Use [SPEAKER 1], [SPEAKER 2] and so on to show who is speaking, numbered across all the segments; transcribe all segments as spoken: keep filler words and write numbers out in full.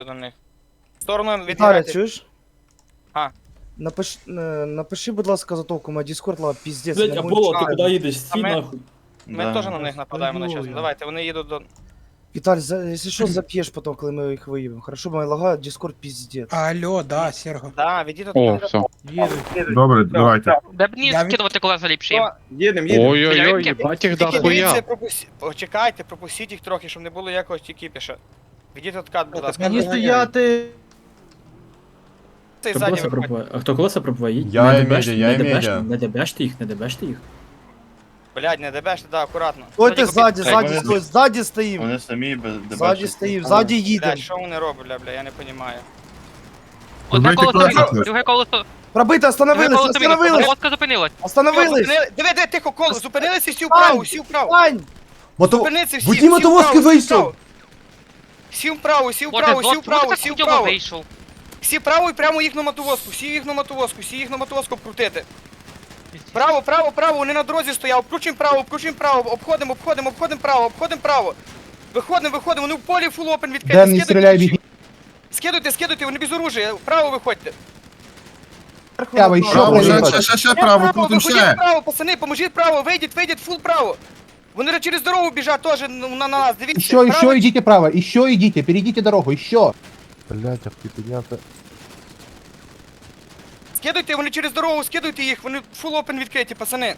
[SPEAKER 1] до них. В сторону
[SPEAKER 2] Віталя,
[SPEAKER 1] відбігайте.
[SPEAKER 2] чуєш?
[SPEAKER 1] А.
[SPEAKER 2] Напиш, е, напиши, будь ласка, затовку, моя Discord лава, піздець.
[SPEAKER 3] Блять,
[SPEAKER 2] не
[SPEAKER 3] Аполло,
[SPEAKER 2] можу
[SPEAKER 3] ти
[SPEAKER 2] читати.
[SPEAKER 3] куди їдеш? Стій
[SPEAKER 1] А ми-
[SPEAKER 3] нахуй.
[SPEAKER 1] Ми
[SPEAKER 4] Да.
[SPEAKER 1] теж на них нападаємо на час. Давайте, вони їдуть до...
[SPEAKER 2] Віталь, за, якщо що, зап'єш потім, коли ми їх виїбемо. Хорошо, моя лага, Discord піздець.
[SPEAKER 5] Алло, да, Серго.
[SPEAKER 1] Да, відійдуть.
[SPEAKER 6] О, все.
[SPEAKER 7] Добре, давайте.
[SPEAKER 8] Де б мені
[SPEAKER 5] Я від-
[SPEAKER 8] скидувати колеса ліпші?
[SPEAKER 1] Що?
[SPEAKER 7] Їдемо, їдемо.
[SPEAKER 6] Ой-ой-ой, їбать їх
[SPEAKER 1] Тільки дивіться,
[SPEAKER 6] дохуя.
[SPEAKER 1] пропусі... Почекайте, пропустіть їх трохи, щоб не було якогось кіпіша. Відійдіть откат, будь ласка.
[SPEAKER 2] Мені стояти.
[SPEAKER 1] Цей
[SPEAKER 3] Хто
[SPEAKER 1] ззаді
[SPEAKER 3] колеса
[SPEAKER 1] виходить.
[SPEAKER 3] пробуває? А хто колеса пробуває? Їдь.
[SPEAKER 4] Я
[SPEAKER 3] Не
[SPEAKER 4] і
[SPEAKER 3] дебеш-
[SPEAKER 4] медіа, я
[SPEAKER 3] не
[SPEAKER 4] і
[SPEAKER 3] дебеш-
[SPEAKER 4] медіа.
[SPEAKER 3] Не дебеште їх, не дебеште їх.
[SPEAKER 1] Блядь, не дебеште, да, акуратно.
[SPEAKER 2] Стойте ззаді,
[SPEAKER 4] Хай
[SPEAKER 2] ззаді,
[SPEAKER 4] вони-
[SPEAKER 2] стой, ззаді стоїм.
[SPEAKER 4] Вони самі без
[SPEAKER 2] Ззаді стоїм, ззаді їдем.
[SPEAKER 1] Блядь, що вони роблять, бля, бля, я не розумію.
[SPEAKER 8] Одне
[SPEAKER 7] Робити
[SPEAKER 8] колесо
[SPEAKER 7] колеса.
[SPEAKER 8] вийшло, друге колесо.
[SPEAKER 2] Пробити,
[SPEAKER 8] Друге
[SPEAKER 2] остановились,
[SPEAKER 8] колесо вийшло.
[SPEAKER 2] остановились,
[SPEAKER 8] Лодка зупинилась.
[SPEAKER 2] остановились.
[SPEAKER 1] Диви, диви, тихо, коло, зупинилися, всі
[SPEAKER 2] Встань!
[SPEAKER 1] вправо, всі вправо.
[SPEAKER 2] Встань!
[SPEAKER 4] Мото...
[SPEAKER 1] Зупиниться, всі,
[SPEAKER 4] Водій
[SPEAKER 1] всі
[SPEAKER 4] мотовозки
[SPEAKER 1] вправо, всі
[SPEAKER 4] вийшов!
[SPEAKER 1] вправо. Всі вправо, всі
[SPEAKER 8] Боже,
[SPEAKER 1] вправо, всі
[SPEAKER 8] чому ти
[SPEAKER 1] вправо,
[SPEAKER 8] так
[SPEAKER 1] всі
[SPEAKER 8] хуйово
[SPEAKER 1] вправо.
[SPEAKER 8] вийшов?
[SPEAKER 1] Всі вправо і прямо їх на мотовозку, всі їх на мотовозку, всі їх на мотовозку крутити. Право, право, право, вони на дорозі стояв, обкручуємо право, обкручуємо право, обходимо, обходимо, обходимо право, обходимо право. Виходимо, виходимо, вони в полі фул опен відкриті,
[SPEAKER 2] Ден, не
[SPEAKER 1] скидуйте
[SPEAKER 2] стріляй,
[SPEAKER 1] ключі.
[SPEAKER 2] бігні.
[SPEAKER 1] Скидуйте, скидуйте, вони без оружия, вправо виходьте.
[SPEAKER 2] Право, ще
[SPEAKER 7] Право,
[SPEAKER 2] право.
[SPEAKER 7] ще, ще, ще, ще
[SPEAKER 1] Я
[SPEAKER 7] право, крутим
[SPEAKER 1] виходіть
[SPEAKER 7] ще.
[SPEAKER 1] вправо, пацани, поможіть право, вийдіть, вийдіть, фул право. Вони через дорогу біжать теж на, на нас, дивіться.
[SPEAKER 9] Еще,
[SPEAKER 1] право,
[SPEAKER 9] еще идите право, еще идите, перейдите дорогу, еще.
[SPEAKER 7] Блять, а ти підняти.
[SPEAKER 1] Скидуйте, вони через дорогу, скидуйте їх, вони фул опен відкриті, пацани.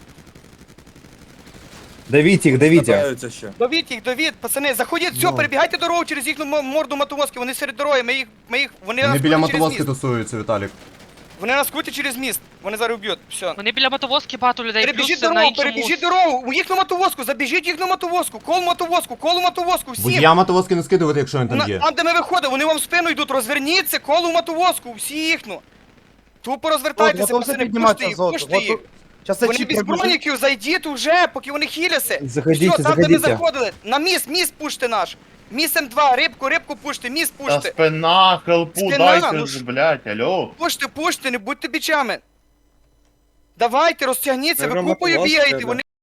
[SPEAKER 4] Давіть їх, давіть їх.
[SPEAKER 1] Довіть їх, довіть, пацани, заходіть, все, перебігайте дорогу через їхню мо- морду мотовозки, вони серед дороги, ми їх, ми їх, вони,
[SPEAKER 4] Вони
[SPEAKER 1] нас
[SPEAKER 4] біля
[SPEAKER 1] крутять через
[SPEAKER 4] мотовозки
[SPEAKER 1] міст.
[SPEAKER 4] тусуються, Віталік.
[SPEAKER 1] Вони нас крутять через міст, вони зараз вб'ють, все.
[SPEAKER 8] Вони біля мотовозки багато людей,
[SPEAKER 1] Перебіжіть
[SPEAKER 8] плюс на
[SPEAKER 1] дорогу,
[SPEAKER 8] іншому...
[SPEAKER 1] перебіжіть дорогу, у їхню мотовозку, забіжіть їхню мотовозку, кол мотовозку, кол мотовозку, всім.
[SPEAKER 4] Водія мотовозки не скидувати, якщо він
[SPEAKER 1] На-
[SPEAKER 4] там є.
[SPEAKER 1] Там, де ми виходимо, вони вам в спину йдуть, розверніться, коло мотовозку, всі їхну. Тупо розвертайтеся,
[SPEAKER 2] Готовся
[SPEAKER 1] пацани,
[SPEAKER 2] піднімати
[SPEAKER 1] пушти їх,
[SPEAKER 2] азот.
[SPEAKER 1] пушти їх.
[SPEAKER 2] Сейчас я
[SPEAKER 1] Вони
[SPEAKER 2] чіп
[SPEAKER 1] без
[SPEAKER 2] пробіжу.
[SPEAKER 1] броніків, зайдіть уже, поки вони хіляться.
[SPEAKER 4] Заходіть,
[SPEAKER 1] Все, там, де ми
[SPEAKER 4] заходіть.
[SPEAKER 1] заходили, на міст, міст пуште наш. Міст М два, рибку, рибку пуште, міст
[SPEAKER 4] Та
[SPEAKER 1] пуште.
[SPEAKER 4] спина, хелпу,
[SPEAKER 1] Спина,
[SPEAKER 4] дайте
[SPEAKER 1] ну
[SPEAKER 4] ж,
[SPEAKER 1] ж.
[SPEAKER 4] блять, алло.
[SPEAKER 1] Пуште, пуште, не будьте бічами. Давайте, розтягніться, ви купою бігаєте, вони